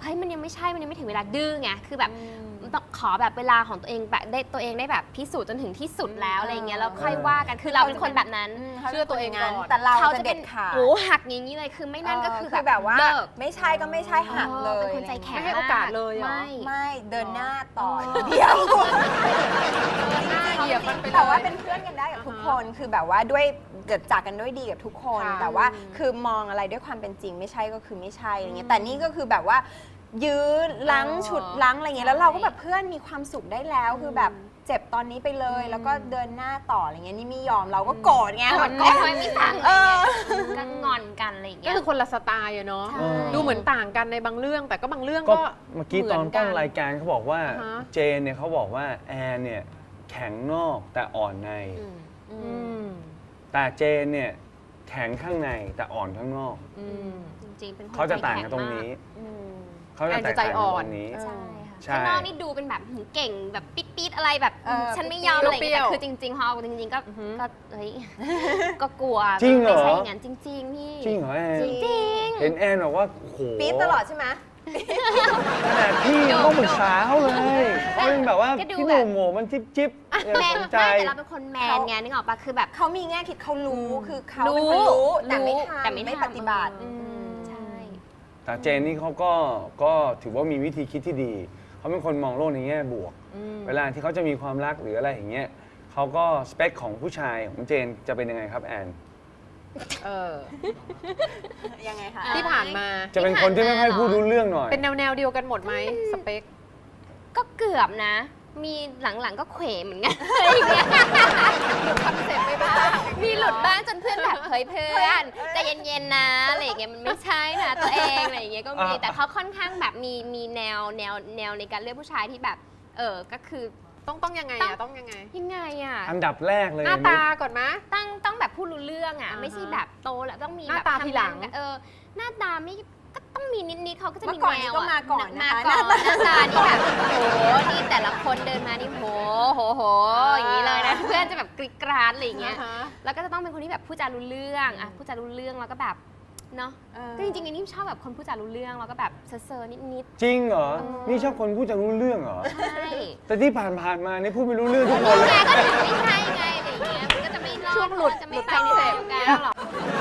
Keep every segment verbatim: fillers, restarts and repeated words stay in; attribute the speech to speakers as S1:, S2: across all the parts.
S1: เฮ้ยมันยังไม่ใช่มันยังไม่ถึงเวลาดื้อไงคือแบบต้องขอแบบเวลาของตัวเองแบบได้ตัวเองได้แบบพิสูจน์จนถึงที่สุดแล้วอะไรเงี้ยแล้วค่อยว่ากันคือเราเป็นคนแบบนั้น
S2: เชื่อตัวเองก่อน
S3: แต่เรา
S1: เขา
S3: จะ
S1: จะ
S3: เด็
S1: เป็น
S3: ดขาด
S1: โอ้หักอย่างนี้เลยคือไม่นั่นก็คือ
S3: คือแบบว่า
S1: เลิก
S3: ไม่ใช่ก็ไม่ใช่หักเลย
S1: เป็นคนใจแข็ง
S2: ไม่ให้โอกาสเลยเหรอ
S1: ไม่
S3: ไม่เดินหน้าต่อเดียว
S2: หน้าเหยียบมันไปเลย
S3: แต่ว่าเป็นเพื่อนกันได้กับทุกคนคือแบบว่าด้วยเกิดจากกันด้วยดีกับทุกคน
S2: ค่ะ
S3: แต่ว่าคือมองอะไรด้วยความเป็นจริงไม่ใช่ก็คือไม่ใช่อะไรเงี้ยแต่นี่ก็คือแบบว่ายื้อล้างฉุดล้างอะไรเงี้ยแล้วเราก็แบบเพื่อนมีความสุขได้แล้วคือแบบเจ็บตอนนี้ไปเลย แล้วก็เดินหน้าต่ออะไรเงี้ยนี่ไม่ยอมเราก็โกรธไง
S1: ก
S3: แบ
S1: ด
S3: บ
S1: ไม่ค่อยไม่ฟัง
S3: เออ
S1: ก็งอนกันอะไรอย่าง
S2: ก็
S1: เงี้ย
S2: คือคนละสไตล์อะเนาะ
S1: ใช่
S2: ดูเหมือนต่างกันในบางเรื่อง แต่ก็บางเรื่อง
S4: ก็
S2: ก็
S4: เมื่อกี้ตอนต้นรายการเขาบอกว่า
S2: อ่าฮะ
S4: เจนเนี่ยเขาบอกว่าแอนเนี่ยแข็งนอกแต่อ่อนใน
S2: อืม
S4: แต่เจนเนี่ยแข็งข้างในแต่อ่อนข้างนอก
S2: อืม
S1: จริงๆเป็นคน
S4: เขาจะต่าง
S1: ใจ
S4: กัน
S1: แข็
S4: ตรง
S1: มาก
S4: นี้
S3: อืม
S4: เขาจะแตกต่างกันตรงนี้
S1: ใช่ค่ะ
S4: ใช่
S1: ข้างนอกนี่ดูเป็นแบบหืมเก่งแบบปิดๆอะไรแบบ
S3: เออ
S1: ฉันไม่ยอมอะไรอย่าง
S2: เปรี้
S1: เงี้
S2: ย
S1: ยว แต่คือจริงๆพอเอาจริงๆก็
S2: อือฮึ
S1: ก็เฮ้ยก็กลัว
S4: จริงเหรอ
S1: ไม่ใช่อย่างนั้นจริงๆพี่
S4: จริงเหรอแอน
S1: จริง
S4: เห็นแอนบอกว่าโอ้โห
S3: ปี๊ดตลอดใช่ไหม
S4: ขนาดพี่ยังต้องปรึกษาเขาเลยเขาเป็นแบบว่าพี่หนุ่มโหมันจิ๊บจิ๊บอย่า
S1: แมน
S4: สน
S1: ไม่
S4: ใจ
S1: แต่เราเป็นคนแมนไงนึกออกปะคือแบบ
S3: เขามีแง่คิดเขารู้คือเขา
S1: รู้
S3: เป็นคนรู้แต่ไม่
S1: รู้
S3: ทำ
S1: แต่ไม่
S3: ไม่
S1: ทำ
S3: ปฏิบัติ
S1: อืมใช่
S4: แต่เจนนี่เขาก็ก็ถือว่ามีวิธีคิดที่ดีเขาเป็นคนมองโลกในแง่บวก เวลาที่เขาจะมีความรักหรืออะไรอย่างเงี้ยเขาก็สเปคของผู้ชายของเจนจะเป็นยังไงครับแอน
S2: เออ
S3: ยังไงคะ
S2: ที่ผ่านมา
S4: จะเป็นคนที่ไม่ค่อยพูดรู้เรื่องหน่อย
S2: เป็นแนวแนวๆเดียวกันหมดไหมสเปค
S1: ก็เกือบนะ มีหลังๆก็เขวเหมือนกัน
S2: คอนเซ็ปต์ไม่บ้าง
S1: มีหลุดบ้างจนเพื่อนแบบเฮ้ยเพื่อนใจเย็นๆนะอะไรอย่างเงี้ยมันไม่ใช่นะตัวเองอะไรอย่างเงี้ยก็มี
S4: อ่า
S1: แต่เขาค่อนข้างแบบมีมีแนวแนวแนวในการเลือกผู้ชายที่แบบ เออก็คือ
S2: ต้องต้องยังไง
S1: ต้
S2: อะ
S1: อง
S2: ต้องยังไง
S1: ยังไงอ่ะ
S4: อันดับแรกเลย
S2: หน้าตาก่อนมะ
S1: ต้องต้องแบบพูดรู้เรื่องอ่ะ
S2: อ่าฮะ
S1: ไม่ใช่แบบโตแล้วต้องมี
S2: หน้า
S1: แบบ
S2: ตา
S1: ทำ
S2: ทีหลัง
S1: นกันเออหน้าตาไม่ก็ต้องมีนิดๆเขาก็จะมี
S3: เมื่อก่อน
S1: แน
S3: นี้
S1: ว
S3: ก็
S1: อะ
S3: มาก่อน
S1: มา
S3: นะคะ
S1: ก่อน
S3: หน้าตา
S1: หน้าตานี่แบบโอ้โหนี่แต่ละคนเดินมานี่โหโหโหอย่างนี้เลยนะเพื่อนจะแบบกริ๊กกราดอะไรอย่างเงี้ย
S2: อ่าฮะ
S1: แล้วก็จะต้องเป็นคนที่แบบพูดจารู้เรื่องอ่ะพูดจารู้เรื่องแล้วก็แบบเนาะ
S3: เออ
S1: ก็จริงๆอันนี้ชอบแบบคนพูดจารู้เรื่องแล้วก็แบบเซอร์ๆนิด
S4: จริงเหรอ นี่ชอบคนพูดจะรู้เรื่องเหรอ
S1: ๆใช่
S4: แต่ที่ผ่านผ่านๆมานี่พูดไม่รู้เรื่องทุกคน
S1: นี่
S4: เลย
S1: ไงก็ถึงไม่ใช่ไงอะไรอย่างเงี้ยมันก็จะไม่รอด
S2: ช่วงหลุด
S1: จะไม่
S2: หลุด
S1: ไปใน
S2: คอนเซ็
S1: แน
S2: ปต์
S1: วกันหรอก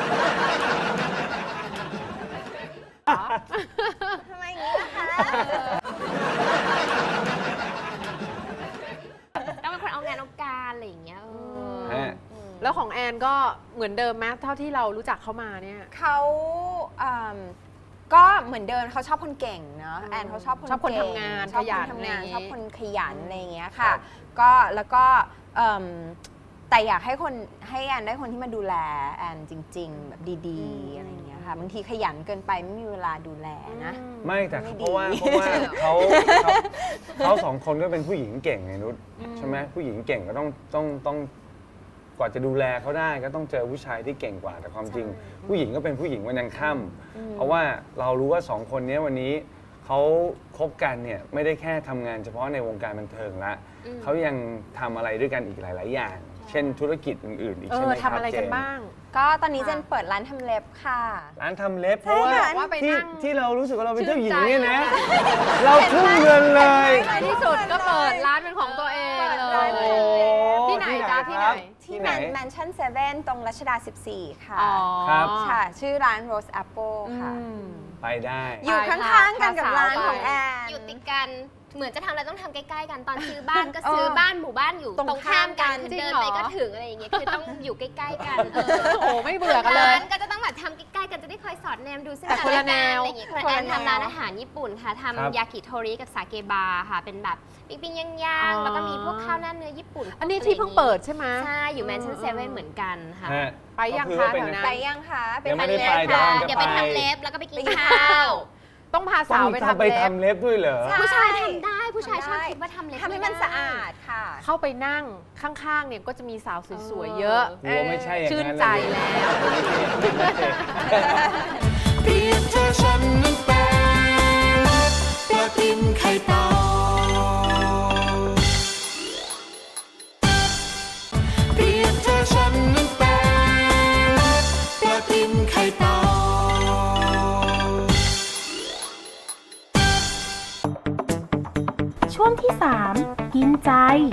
S3: ทำไมอย่างนี้ล่ะคะ
S1: ต้องเป็นคนเอางานเอาการอะไรอย่างเงี้ยเออ
S4: ฮะ
S2: แล้วของแอนก็เหมือนเดิมไหมเท่าที่เรารู้จักเขามาเนี่ย
S3: เขาอืมก็เหมือนเดิมเขาชอบคนเก่งเนาะแอนเขาชอบคน
S2: ชอบคน
S3: เก่
S2: ทำงาน
S3: ชอบ
S2: ขยั
S3: คน นทำงาน
S2: อะไรอย่างงี้
S3: ชอบคนขยันอะไรอย่างเงี้ย
S4: ครั
S3: ค่ะ
S4: บ
S3: ก็แล้วก็เอิ่มแต่อยากให้คนให้แอนได้คนที่มาดูแลแอนจริง ๆ แบบดีๆอะไรอย่างเงี้ยค่ะบางทีขยันเกินไปไม่มีเวลาดูแลนะ
S4: ไม่แต่
S3: ไม่ดี
S4: เพราะว่าเพราะว่าเขาเขาเขาสองคนก็เป็นผู้หญิงเก่งไงนุชใช่ไหมผู้หญิงเก่งก็ต้องต้องต้องกว่าจะดูแลเขาได้ก็ต้องเจอผู้ชายที่เก่งกว่าแต่ความจริง ผู้หญิงก็เป็นผู้หญิงวันยังค่ำเพราะว่าเรารู้ว่าสองคนนี้วันนี้เขาคบกันเนี่ยไม่ได้แค่ทำงานเฉพาะในวงการบันเทิงละเขายังทำอะไรด้วยกันอีกหลาย ๆ อย่าง เช่นธุรกิจอื่น ๆ อีก
S2: เอ
S4: ใช่
S2: อ
S4: ไหมครับ
S2: ทำอะไร
S4: เจ
S2: กัน
S4: น
S2: บ้าง
S3: ก็ตอนนี้
S2: ค่ะ
S3: เจนเปิดร้านทำเล็บค่ะ
S4: ร้านทำเล็บเพราะว่า
S3: ใช่ค่ะ
S2: ว่าไป
S4: ที่
S2: นั่ง
S4: ที่เรารู้สึกว่าเราเป็นเจ้าหญิง
S2: ชื่นใจ
S4: เนี่ยนะ เราทุ่มเงินเลย
S2: ในที่สุดก็เปิดร้านเป็นของตัวเองเล
S3: เปิดร้าน
S2: ย
S3: เลย
S2: ที่ไหนจ๊ะที่ไหน
S4: ครับ
S3: ที่
S4: ที่
S3: แม
S4: ไหน
S3: นแมนชั่นเซเว่นตรงรัชดา สิบสี่ ค่ะ
S2: อ๋อ
S4: ครับ
S3: ค่ะ ชื่อร้าน Rose Apple ค่ะ
S2: อืม
S4: ไปได้
S3: อยู่
S2: ไป
S3: ข้าง ๆ กันกับ
S2: พาสาว
S3: ร้าน
S2: ไป
S3: ของแอน
S1: อยู่ติดกันเหมือนจะทำอะไรต้องทำใกล้ๆกันตอนซื้อบ้านก็ซื้อบ้านหมู่บ้านอยู่
S3: ตรง
S1: ตรงข้ามกัน
S3: ข้ามกัน
S1: คือเดินไปก็ถึงอะไรอย่างเงี้ยคือต้องอยู่ใกล้ๆกันเออ
S2: โอ้โหไม่เบื่อกันเลย
S1: ร้านก็จะต้องแบบทำใกล้ๆกันจะได้คอยสอดแนมดูซึ่ง
S2: แต่คนละแนว
S1: อะไรอย่างเงี้ยคนละแนวทำร้านอาหารญี่ปุ่นค่ะ
S4: ครับ
S1: ทำยากิโทริกับสาเกบาร์ค่ะ เป็นแบบปิ้งๆย่างๆแล้วก็มีพวกข้าวหน้าเนื้อญี่ปุ่น
S2: อันนี้ที่เพิ่งเปิดใช่ไหม
S1: ใช่อยู่แมนชั่นเซเว่นเหมือนกันค่ะ
S4: ฮะ
S2: ไปยัง
S4: ก็อ
S2: คะ
S4: ว่าเป็
S2: แถวนั้น
S3: ไปยังคะ
S4: ยังไม่ได้
S3: ทาน
S4: ไป
S3: เล็บ
S4: เดี๋ยว
S3: ค่ะ
S4: กำลังจะ
S1: อย่าไปทำเล็บแล้วก็ไปกินข้าว
S2: ต้องพา
S4: ต้
S2: สา
S4: อ
S2: ว
S4: ง
S2: ไป
S4: ทำ
S2: ทำ
S4: ไป
S2: เล็บ
S4: ทำเล็บด้วยเหรอ
S1: ผู้ชายทำได้ผู้ชายชอบคิดว่าทำเล็บ
S3: ทำให้มันสะอาดค่ะ
S2: เข้าไปนั่งข้างๆ เนี่ยก็จะมีสาวสวยๆ เยอะ
S4: กลัวไม่ใช่อย่างนั้น
S2: ชื่นใจแล้ว
S5: เปรียบเธอฉันนั้นเป็นปลาตินไข่เต่าเปรียบเธอฉันนั้นเป็นปลาตินไข่เต่า
S6: ช่วงที่ สาม กินใจ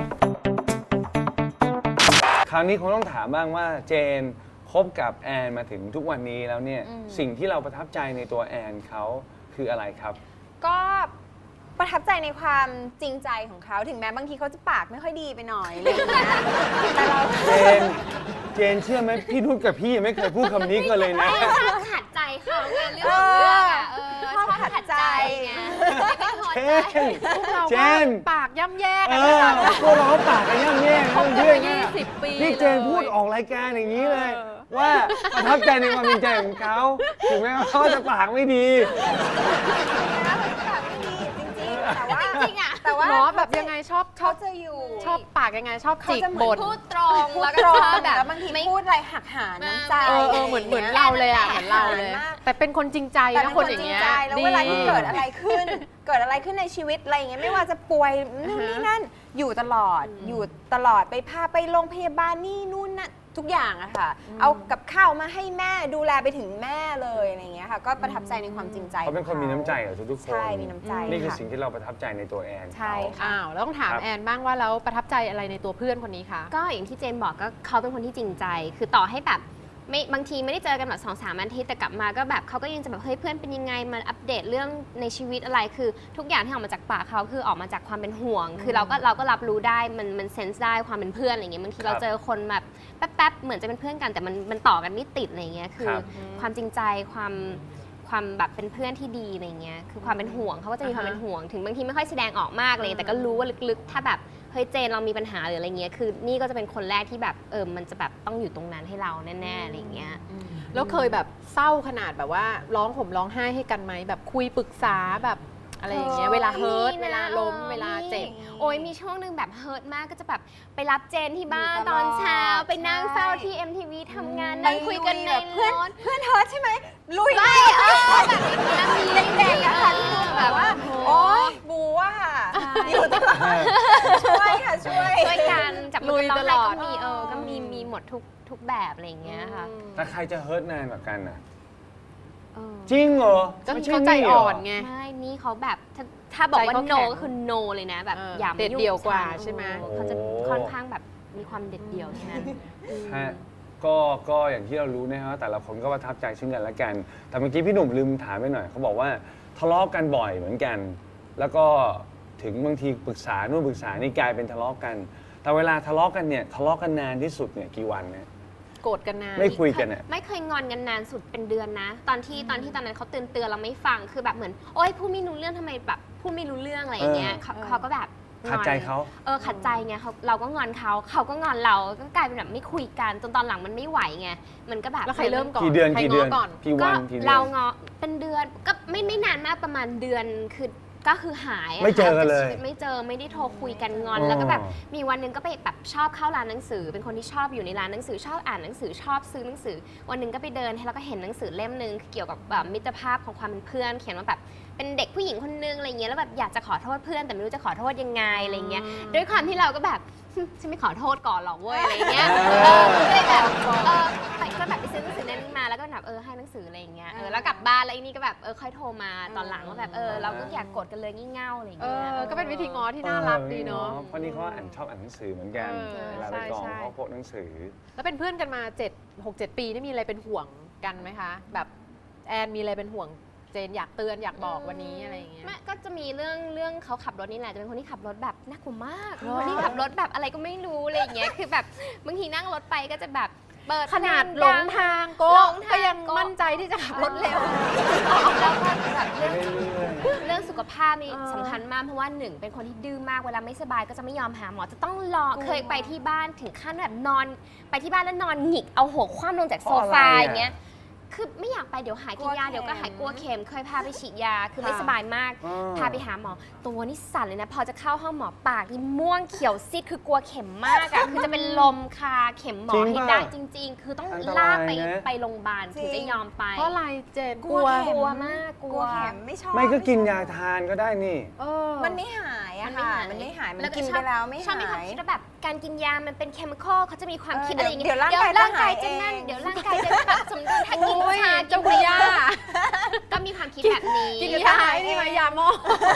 S4: คราวนี้คงต้องถามบ้างว่าเจนคบกับแอนมาถึงทุกวันนี้แล้วเนี่ยสิ่งที่เราประทับใจในตัวแอนเขาคืออะไรครับ
S3: ก็ประทับใจในความจริงใจของเขาถึงแม้บางทีเขาจะปากไม่ค่อยดีไปหน่อยอะไรอย่างเงี้ยแต่เรา
S4: เจน เจนเชื่อไหมพี่นุชกับพี่ยังไม่เคยพูดคำนี้กันเลยนะ
S1: ไม่ชอบขัดใจเขาไงเรื่องของเรื่องอะเออ
S3: ชอบขัดใจ
S1: ไงไม่พอ
S4: เจ
S1: ใจ
S4: น
S2: พวกเรา
S4: เจ
S2: ก็
S4: น
S2: ปากย่ำแย่
S4: เอ
S2: กันนะ
S4: อพวกเราปากกันย่ำแย่
S2: คบ
S4: เรื่
S2: กั
S4: อน ง
S2: มา
S4: เรื่อง
S2: ยี่สิบปี
S4: นี่เจน
S2: ลย
S4: พูดออกรายการอย่างนี้เลย
S2: เออ
S4: ว่าประทับใจในความจริงใจของเขาถึงแม้ว่าเขาจะปากไม่ดี
S3: นะแบบไม่ดีจริงๆ แต่ว่า
S1: จริงๆอะ
S3: แต่ว่า
S2: เนาะแบบยังไงชอบช
S3: เขา
S2: อบ
S3: จะอยู่
S2: ชอบปากยังไงชอบ
S3: เขา
S2: จิก
S3: จะเหมื
S2: บ
S3: อน
S2: น
S1: พูดตรง
S3: พูด
S1: แล้ว
S3: ต
S1: ก็
S3: รง
S1: ชอบแบบ
S3: แล้วบางที
S1: ไม่
S3: พูดอะไรหักหานน้ำใจ
S2: เออเออเหมือนเหมือนเราเลยอ่ะเหมือนเราเลย
S3: มาก
S2: แต่เป็นคนจริงใจ
S3: แต่
S2: นะ
S3: เป็น
S2: ค
S3: คน น
S2: อ
S3: จ
S2: ย่าง
S3: ริง
S2: เงี้ย
S3: ใจแล้ว
S2: ดี
S3: เวลาที่เกิดอะไรขึ้น เกิดอะไรขึ้นในชีวิตอะไรอย่างเงี้ยไม่ว่าจะป่วยนู่นนี่นั่นอยู่ตลอดอยู่ตลอดไปพาไปโรงพยาบาลนี่นู่นนั่นทุกอย่างอะค่ะ เอากับข้าวมาให้แม่ดูแลไปถึงแม่เลยอะไรอย่างเงี้ยค่ะ ก็ประทับใจในความจริงใจ
S4: เขาเป็นคนมีน้ำใจกับทุกๆคน
S3: ใช่มีน้ำใจ
S4: นี่คือ
S3: ค่ะ
S4: สิ่งที่เราประทับใจในตัวแอน
S3: ใช่ค่ะ
S2: อ้าวแล้วต้องถาม
S4: ครับ
S2: แอนบ้างว่าแล้วประทับใจอะไรในตัวเพื่อนคนนี้คะ
S1: ก็อย่างที่เจนบอกก็เขาเป็นคนที่จริงใจ คือต่อให้แบบไม่บางทีไม่ได้เจอกันแบบสองสามอาทิตย์แต่กลับมาก็แบบเขาก็ยังจะแบบเฮ้ยเพื่อนเป็นยังไงมาอัปเดตเรื่องในชีวิตอะไรคือทุกอย่างที่ออกมาจากปากเขาคือออกมาจากความเป็นห่วง คือเราก็เราก็รับรู้ได้มันมันเซนส์ได้ความเป็นเพื่อนอะไรเงี้ยบางทีเราเจอคนแบบแป๊บๆเหมือนจะเป็นเพื่อนกันแต่มันมันต่อกันไม่ติดอะไรเงี้ยคือ
S4: ครับ
S1: ความจริงใจความความแบบเป็นเพื่อนที่ดีอะไรเงี้ยคือความเป็นห่วงเขาก็จะมีความเป็นห่วง ถึงบางทีไม่ค่อยแสดงออกมากเลยแต่ก็รู้ว่าลึกๆ ถ้าแบบเฮ้ยเจนเรามีปัญหาหรืออะไรเงี้ยคือนี่ก็จะเป็นคนแรกที่แบบเออมันจะแบบต้องอยู่ตรงนั้นให้เราแน่ๆอะไรเงี้ย
S2: แล้วเคยแบบเศร้าขนาดแบบว่าร้องห่มร้องไห้ให้กันไหมแบบคุยปรึกษาแบบอะไรอย่างเงี้ยเวลาเฮิร์ต
S1: มีนะ
S2: เวลาล้ม
S1: ออ
S2: เวลาเจ็บ
S1: มีโอ้ยมีช่วงหนึ่งแบบเฮิร์ตมากก็จะแบบไปรับเจนที่บ้าน
S3: อยู่
S1: ต
S3: ตลอด
S1: อนเช้าไปนั่ง
S3: ใช่
S1: เฝ้าที่ เอ็ม ที วี ทำงานนั่งคุยกันใน
S3: แบบเพื่อน
S1: รถ
S3: เพื่อนเฮิร์ตใช่ไหมลุย
S1: ใช่เออแบบอย่างเงี้ยมี
S3: เด็กๆอะค่ะที่ดูแบบว่า โอ๊ยบูว่าค่ะอยู่ตลอดช่วยค่ะช่วย
S1: ช่วยกันจับมือ
S2: ลุย
S1: กันร้อง
S2: ตล
S1: ไห้
S2: อด
S1: ก็มีเออก็มีมีหมดทุกทุกแบบอะไรอย่างเงี้ยค่ะ
S4: แต่ใครจะเฮิร์ตนานกว่ากันน่ะ
S1: เออ
S4: จริงเหรอ
S2: ก็
S4: ไม่ช่
S2: เขาใจ
S4: นี่เหร
S2: อ่อนไง
S1: ไม่นี่เขาแบบถ้าถ้าบอกว่า
S2: ใจเขา
S1: no
S2: แข็ง
S1: ก็คือ no เลยนะแบบ
S2: เออ
S1: อย่ามา
S2: เด็ด
S1: ยุ่ง
S2: เดี่ยวกว่า
S1: ฉัน
S2: ใช่ไหม
S1: เออเขาจะค่อนข้างแบบมีความเด็ดเดี่ยวฉะนั้น
S4: ฮะก็ก็อย่างที่เรารู้นะครับแต่ละคนก็ประทับใจซึ่งกันและกัน แต่เมื่อกี้พี่หนุ่มลืมถามไปหน่อยเขาบอกว่าทะเลาะกันบ่อยเหมือนกัน แล้วก็ถึงบางทีปรึกษานู่นปรึกษานี่กลายเป็นทะเลาะกัน แต่เวลาทะเลาะกันเนี่ยทะเลาะกันนานที่สุดเนี่ยกี่วันเนี่ย
S2: โกรธกันนาน
S4: ไม่คุยกันเนี่ย
S1: ไม่เคยงอนกันนานสุดเป็นเดือนนะ ตอนที่ตอนที่ตอนนั้นเขาเตือนเตือนเราไม่ฟังคือแบบเหมือนโอ๊ยพูดไม่รู้เรื่องทำไมแบบพูดไม่รู้เรื่องอะไรอย่างเงี้ย
S4: เออ
S1: เขาเขาก็แบบงอน
S4: ขัดใจเขา
S1: เออขัดใจไงเขาเราก็งอนเขาเขาก็งอนเราก็กลายเป็นแบบไม่คุยกันจนตอนหลังมันไม่ไหวไงมันก็แบบ
S2: แล้วใครเริ่มก่อน
S4: กี่เดือน
S2: ใคร
S4: กี่เดือน
S2: ง้ก่อน
S4: กี่
S1: ก็
S4: วันกี่เดือน
S1: เรางอเป็นเดือนก็ไม่ไม่นานมากประมาณเดือนคือก็คือหายะ
S4: ไม่เจอกันเลย
S1: ไม่เจอไม่ได้โทรคุยกันงอน
S4: อ๋อ
S1: แล้วก็แบบมีวันหนึงก็ไปแบบชอบเข้าร้านหนังสือ เป็นคนที่ชอบอยู่ในร้านหนังสือชอบอ่านหนังสือชอบซื้อหนังสือ วันหนึ่งก็ไปเดินแล้วก็เห็นหนังสือเล่มหนึ่งเกี่ยวกับแบบมิตรภาพของความเป็นเพื่อน เขียนว่าแบบเป็นเด็กผู้หญิงคนนึงอะไรเงี้ยแล้วแบบอยากจะขอโทษเพื่อนแต่ไม่รู้จะขอโทษยังไงอะไรเงี้ยด้วยความที่เราก็แบบ ฉันไม่ขอโทษก่อนหรอกเว้ยอะไรเงี้ยเออก็เลยแบบเออไปก็แบบไปซื้อหนังสือเล่มนี้มาแล้วก็แบบเออให้หนังสืออะไรอย่างเงี้ยเออแล้วกลับบ้านแล้วไอ้นี่ก็แบบเออค่อยโทรมาตอนหลังว่าแบบเออเราก็อยากกดกันเลยงี่เง่าอะไรอย่าง
S2: เอ
S1: เงี้ย
S2: อก็เป็นวิธีง้อที่น่ารักดีเนาะ
S4: เพราะนี่เขาอ่านชอบอ่านหนังสือเหมือนกัน
S2: เออ
S4: เวลาไปกอง
S2: ใช่ใช่
S4: เขาพกหนังสือ
S2: แล้วเป็นเพื่อนกันมาเจ็ด หก เจ็ดปีนี่มีอะไรเป็นห่วงกันไหมคะ แบบแอนมีอะไรเป็นห่วงเจนอยากเตือนอยากบอกวันนี้อะไรอย่างเงี้ย
S1: ไม่ก็จะมีเรื่องเรื่องเขาขับรถนี่แหละจะเป็นคนที่ขับรถแบบน่ากลัวมาก
S2: เหรอ
S1: คนที่ขับรถแบบอะไรก็ไม่รู้อะไรอย่างเงี้ยคือแบบบางทีนั่งรถไปก็จะแบบเปิด
S2: ขนาด
S1: เพ
S2: หล
S1: ดั
S2: งทางก็
S1: หลงทาง
S2: ก็ยัง
S1: ก็
S2: มั่นใจที่จะขับรถเร็ว
S1: แล้วก็แบบเรื่อง
S4: เรื่อย
S1: เรื่องสุขภาพนี่
S2: เออ
S1: สำคัญมากเพราะว่าหนึ่งเป็นคนที่ดื้อมากเวลาไม่สบายก็จะไม่ยอมหาหมอจะต้องรอเคยไปที่บ้านถึงขั้นแบบนอน ไปที่บ้านแล้วนอนหงิกเอาหัวคว่ำลงจากโซฟาอย่างเงี้ยคือไม่อยากไปเดี๋ยวหายกินยาเดี๋ยวก็หายกลัวเข็มเคยพาไปฉีดยาคือไม่สบายมาก
S4: อ๋อ
S1: พาไปหาหมอตัวนี่สั่นเลยนะ พอจะเข้าห้องหมอปากนี่ม่วงเขียวซีดคือกลัวเข็มมากอะคือจะเป็นลมคาเข็มหมอ
S4: จริง
S1: ให้
S4: ป่ะ
S1: ได้จริง ๆ คือต้อง
S4: อันตราย
S1: ลากไป
S4: นะ
S1: ไปโรงพยาบาลถึงจะยอมไป
S2: เพราะอะไรเจน
S3: กลัว
S1: กลัวมากก
S3: ก
S1: ลั
S3: ลั
S1: ว
S3: วเข็มไม่ชอบ
S4: ไม่ก็กินยาทานก็ได้นี่
S2: เออ
S3: มันไม่หายอะค่ะ มันไม่หาย มัน
S1: แล้ว
S3: กิน
S1: ช
S3: ไป
S1: อบ
S3: แล้วไม่
S1: ชอบมี
S3: หา
S1: ความ
S3: ย
S1: คิดว่าแบบการกินยามันเป็นเคมีคอลเขาจะมีความคิด
S3: เออ
S1: อะไรอย่างเงี้ย
S3: เดี๋ยวร่างกาย
S1: ร่างกาย
S3: จะ
S1: จะ
S3: หาย
S1: นั่น
S3: เอง
S1: เดี๋ยวร่างกายจะปรับสมดุลถ้ากิน
S2: โอ้ย
S1: ชากิ
S2: เจ้าน คุณย่า
S1: ก็มีความคิดแบบนี้
S2: กินยาไอ้นี่มายาหม้อแบบสมุน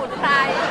S2: มุนไพร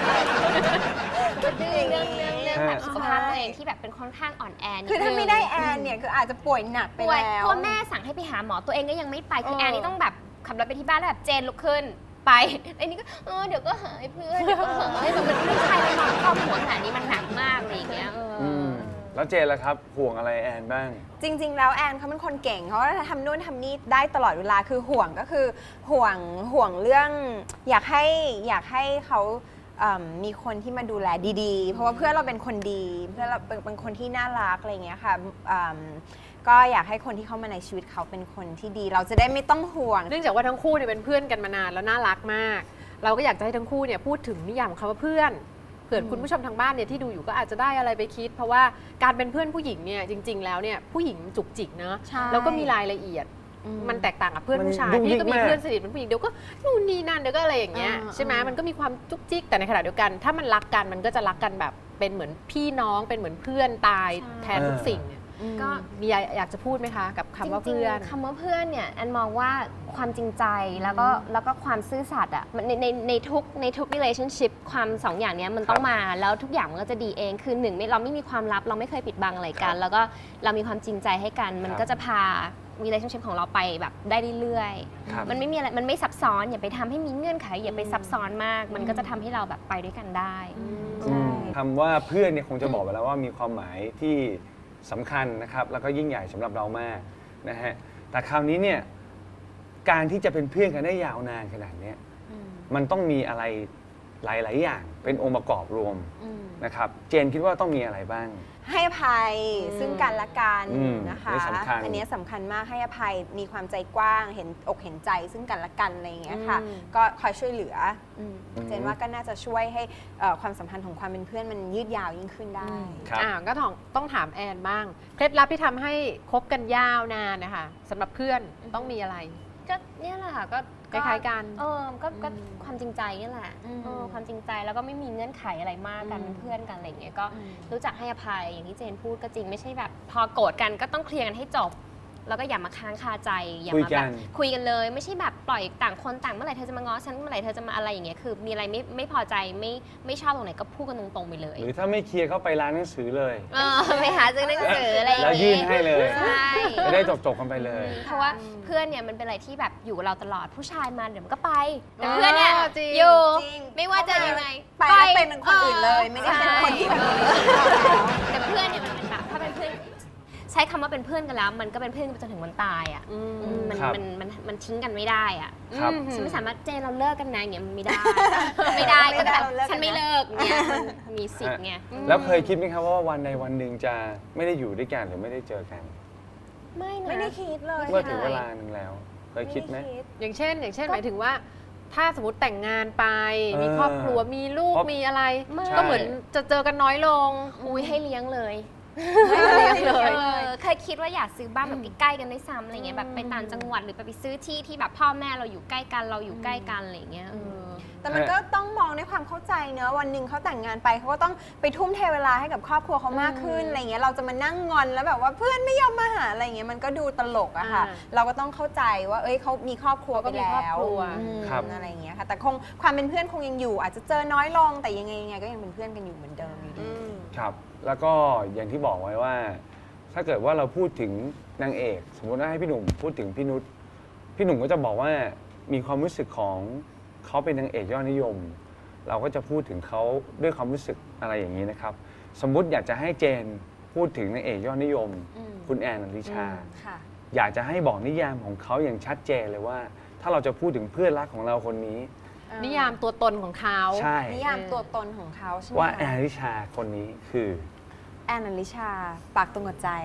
S1: ดื้อเรื่องเรื่องเรื่องแบบ
S4: ใช่
S1: สุขภาพตัวเองที่แบบเป็นค่อนข้างอ่อนแอนิดนึง
S3: คือถ้าไม่ได้แอนเนี่ยคืออาจจะป่วยหนักไป
S1: ป่วย
S3: แล้ว
S1: เพราะแม่สั่งให้ไปหาหมอตัวเองก็ยังไม่ไปคือ
S2: เออ
S1: แอนนี่ต้องแบบขับรถไปที่บ้านแล้วแบบเจนลุกขึ้นไปไอ้นี่ก็เออเดี๋ยวก็หายเพื่อนเดี๋ยวก็หายแบบมันไม่ใช่แล้วนอนครอบหัวขนาดนี้มันหนักมากอะไรอย่างเงี้ยเอออ
S4: มแล้วเจนล่ะครับห่วงอะไรแอนบ้าง
S3: จริง ๆ แล้วแอนเขาเป็นคนเก่งเขาทำนู่นทำนี่ได้ตลอดเวลาคือห่วงก็คือห่วงห่วงเรื่องอยากให้อยากให้เขาเอิ่มมีคนที่มาดูแลดีๆ เพราะว่าเพื่อนเราเป็นคนดีเพื่อนเราเป็นเป็นคนที่น่ารักอะไรอย่างเงี้ยค่ะอืมก็อยากให้คนที่เข้ามาในชีวิตเขาเป็นคนที่ดี เราจะได้ไม่ต้องห่วง
S2: เนื่องจากว่าทั้งคู่เนี่ยเป็นเพื่อนกันมานานแล้วน่ารักมาก เราก็อยากจะให้ทั้งคู่เนี่ยพูดถึงนิยามของคำว่าเพื่อนเผื่อคุณผู้ชมทางบ้านเนี่ยที่ดูอยู่ก็อาจจะได้อะไรไปคิด เพราะว่าการเป็นเพื่อนผู้หญิงเนี่ยจริง ๆ แล้วเนี่ยผู้หญิงจุกจิกเนอะ
S3: ใช่
S2: แล้วก็มีรายละเอียด มันแตกต่างกับเพื่อนผู้ชาย
S4: มันยุ่งยิ่
S2: พี่
S4: ง
S2: ก็มี
S4: มาก
S2: เพื่อนสนิทเป็นผู้หญิงเดี๋ยวก็นู่นนี่นั่นเดี๋ยวก็อะไรอย่างเงี้ย
S3: อ่า
S2: ใช่ไหม
S3: อ่ามั
S2: มันก็มีความจุกจิกแต่ในขณะเดียวกัน ถ้ามันรักกันมันก็จะรักกันแบบเป็นเหมือนพี่น้องเป็นเหมือนเพื่อนตายแทนทุกสิ่งเนี่ย
S1: ก็
S2: มีอะไรอยากจะพูดไหมคะ กับคำว่าเพื่อน
S1: จริงๆคำว่าเพื่อนเนี่ยแอนมองว่าความจริงใจแล้วก็แล้วก็ความซื่อสัตย์อ่ะมันในในในทุกในทุก relationship ความสองอย่างเนี้ยมันต้องมาแล้วทุกอย่างมันก็จะดีเองคือหนึ่งไม่เราไม่มีความลับเราไม่เคยปิดบังอะไรกัน แล้วก็เรามีความจริงใจให้กัน มันก็จะพา relationship ของเราไปแบบได้เรื่อย
S4: ครับ
S1: ๆมันไม่มีอะไรมันไม่ซับซ้อนอย่าไปทำให้มีเงื่อนไขอย่าไปซับซ้อนมาก มันก็จะทำให้เราแบบไปด้วยกันได้
S3: ใช่
S4: คำว่าเพื่อนเนี่ยคงจะบอกไปแล้วว่ามีความหมายที่สำคัญนะครับแล้วก็ยิ่งใหญ่สำหรับเรามากนะฮะแต่คราวนี้เนี่ยการที่จะเป็นเพื่อนกันได้ยาวนานขนาดเนี้ยมันต้องมีอะไรหลาย ๆ อย่างเป็นองค์ประกอบรวมนะครับเจนคิดว่าต้องมีอะไรบ้าง
S3: ให้อภัยซึ่งกันและกัน
S4: อืม
S3: นะคะ
S4: นี่สำคัญ
S3: อันนี้สำคัญมากให้อภัยมีความใจกว้างเห็นอกเห็นใจซึ่งกันและกันอะไรอย่างเงี้ยค่ะ
S2: อืม
S3: ก็คอยช่วยเหลืออ
S4: อืม
S3: เจนว่าก็น่าจะช่วยให้เอ่อความสัมพันธ์ของความเป็นเพื่อนมันยืดยาวยิ่งขึ้นได้
S4: ครับ
S2: อ่าก็ต้องต้องถามแอนบ้าง เคล็ดลับที่ทำให้คบกันยาวนานนะคะสำหรับเพื่อนต้องมีอะไร
S1: ก็เนี่ยแหละค่ะก็
S2: คล้ายๆกัน
S1: เออก็ก็ความจริงใจนี่แหละ
S3: อืม
S1: เออความจริงใจแล้วก็ไม่มีเงื่อนไขอะไรมากกันเป็นเพื่อนกันอะไรอย่างเงี้ยก็รู้จักให้อภัยอย่างที่เจนพูดก็จริงไม่ใช่แบบ พอโกรธกันก็ต้องเคลียร์กันให้จบ แล้วก็อย่ามาค้างคาใจอย่า
S4: คุย
S1: มา
S4: กั
S1: แบ
S4: น
S1: บคุยกันเลย ไม่ใช่แบบปล่อยต่างคนต่างเมื่อไหร่เธอจะมาง้อฉันเมื่อไหร่เธอจะมาอะไรอย่างเงี้ยคือมีอะไรไม่ไม่พอใจไม่ไม่ชอบตรงไหนก็พูดกันตรงๆไปเลย
S4: หรือถ้าไม่เคลียร์เข้าไปร้านหนังสือเลย
S1: เออไปหาซื้อหนังสืออะไรอย่าง
S4: แล้ว
S1: เงี้
S4: ยื่นให้เลย
S1: ใช่
S4: จะได้จบๆกันไปเลย
S1: เพราะว่าเพื่อนเนี่ยมันเป็นอะไรที่แบบอยู่กับเราตลอดผู้ชายมาเดี๋ยวมันก็ไปแต่
S2: อ๋อ
S1: เพื่อนเนี่ย
S2: จริง
S1: อยู่
S3: จริง
S1: ไม่ว่าจะยังไง
S3: ไปแล้วเป็นเป็นคนอื่นเลยไม่ได้เป็นคนที่แบบ
S1: แต่เพื่อนเนี่ยมันเป็นแบบถ้าเป็นเพื่อนใช้คำว่าเป็นเพื่อนกันแล้ว มันก็เป็นเพื่อนกันไปจนถึงวันตายอ่ะ
S2: อืม
S1: อืมมัน
S4: ครับ
S1: มันมันมันทิ้งกันไม่ได้อ่ะ
S4: ครับ
S1: อืมฉันไม่สามารถเจนเราเลิกกันนะอย่างเงี้ยมันไม่ได้ ไม่ได้ก็แบบฉันไม่เลิกเนี่ยมันมีสิทธิ์ไงอืม
S4: แล้วเคยคิดไหมครับว่าวันใดวันหนึ่งจะไม่ได้อยู่ด้วยกันหรือไม่ได้เจอกัน
S1: ไม่นะ
S3: ไม่ได้คิดเลย
S4: เมื่อถึงเวลาหนึ่งแล้ว เคยคิดไหม
S3: ด้
S2: อย่างเช่น อย่างเช่นหมายถึงว่า ถ้าสมมติแต่งงานไป
S4: เออ
S2: มีครอบครัวมีลูก
S4: เพราะ
S2: มีอะไร
S1: ไม่
S2: ก็เหมือนจะเจอกันน้อยลง
S1: อุ้ยให้เลี้ยงเลย
S2: ให้เลี้ยงเลย
S1: ออเคยคิดว่าอยากซื้อบ้านแบบใกล้ๆกันด้วยซ้ำอะไรเงี้ยแบบไปต่างจังหวัดหรือไปไปซื้อที่ที่แบบพ่อแม่เราอยู่ใกล้กันเราอยู่ใกล้กันอะไรเงี้ยเออ
S3: แต่มันก็ต้องมองด้วยความเข้าใจเนอะวันหนึ่งเขาแต่งงานไปเขาก็ต้องไปทุ่มเทเวลาให้กับครอบครัวเขามากขึ้นอะไรเงี้ยเราจะมานั่งงอนแล้วแบบว่าเพื่อนไม่ยอมมาหาอะไรเงี้ยมันก็ดูตลกอะค่ะ
S2: อ่า
S3: เราก็ต้องเข้าใจว่าเอ้ยเขามีครอบครัวไป
S2: เขาก็มี
S3: แล้
S2: ครอบ
S3: ว
S2: ครัว
S3: อืม
S4: ครับ
S3: อะไรเงี้ยค่ะแต่คงความเป็นเพื่อนคงยังอยู่ อาจจะเจอน้อยลงแต่ยังไงยังไงก็ยังเป็นเพื่อนกันอยู่เหมือนเดิมอยู่ดี
S4: ครับ แล้วก็อย่างที่บอกไว้ว่า ถ้าเกิดว่าเราพูดถึงนางเอก สมมติว่าให้พี่หนุ่มพูดถึงพี่นุชพี่หนุ่มก็จะบอกว่ามีความรู้สึกของเขาเป็นนางเอกยอดนิยม เราก็จะพูดถึงเขาด้วยความรู้สึกอะไรอย่างนี้นะครับ สมมุติอยากจะให้เจนพูดถึงนางเอกยอดนิยม คุณแอนอลิชา
S3: ค่ะ
S4: อยากจะให้บอกนิยามของเขาอย่างชัดเจนเลยว่า ถ้าเราจะพูดถึงเพื่อนรักของเราคนนี้
S2: นิยามตัวตนของเขา
S4: ใช่
S3: นิยามตัวตนของเขาใช่ไหม
S4: ว่า
S3: คะ
S4: แอนอลิชาคนนี้คือ
S3: แอนอลิชา ปากตรงกับใจ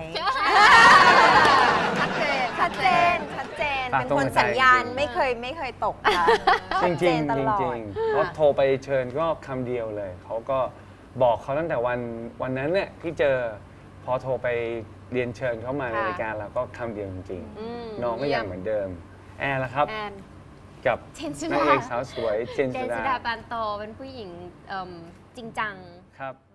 S2: ชัดเจน
S3: ชัดเจน ชัดเจน
S4: ปาก
S3: เป็น
S4: ตรง
S3: คน
S4: กับใจ
S3: สัญญาณ
S4: จริง
S3: ไม่เคยไม่เคยตกค่ะ
S4: จริงจริง
S3: ชัดเจนต
S4: จริง
S3: ลอด
S4: จริงๆเขาโทรไปเชิญก็คำเดียวเลย เขาก็บอกเขาตั้งแต่วันวันนั้นเนี่ยที่เจอพอโทรไปเรียนเชิญเขามาใน
S2: ค่ะ
S4: รายการเราก็คำเดียวจริง
S2: อืม
S4: ๆน้องก็ยังเหมือนเดิม แอนละครับ
S2: แอน
S4: กับ
S1: เจนสุ
S4: นาง
S1: ดา
S4: เอกสาวสวยเจน
S1: เจ
S4: สุ
S1: นสุ
S4: ดา
S1: ดาปานโตเป็นผู้หญิงเอิ่มจริงจัง
S4: ครับ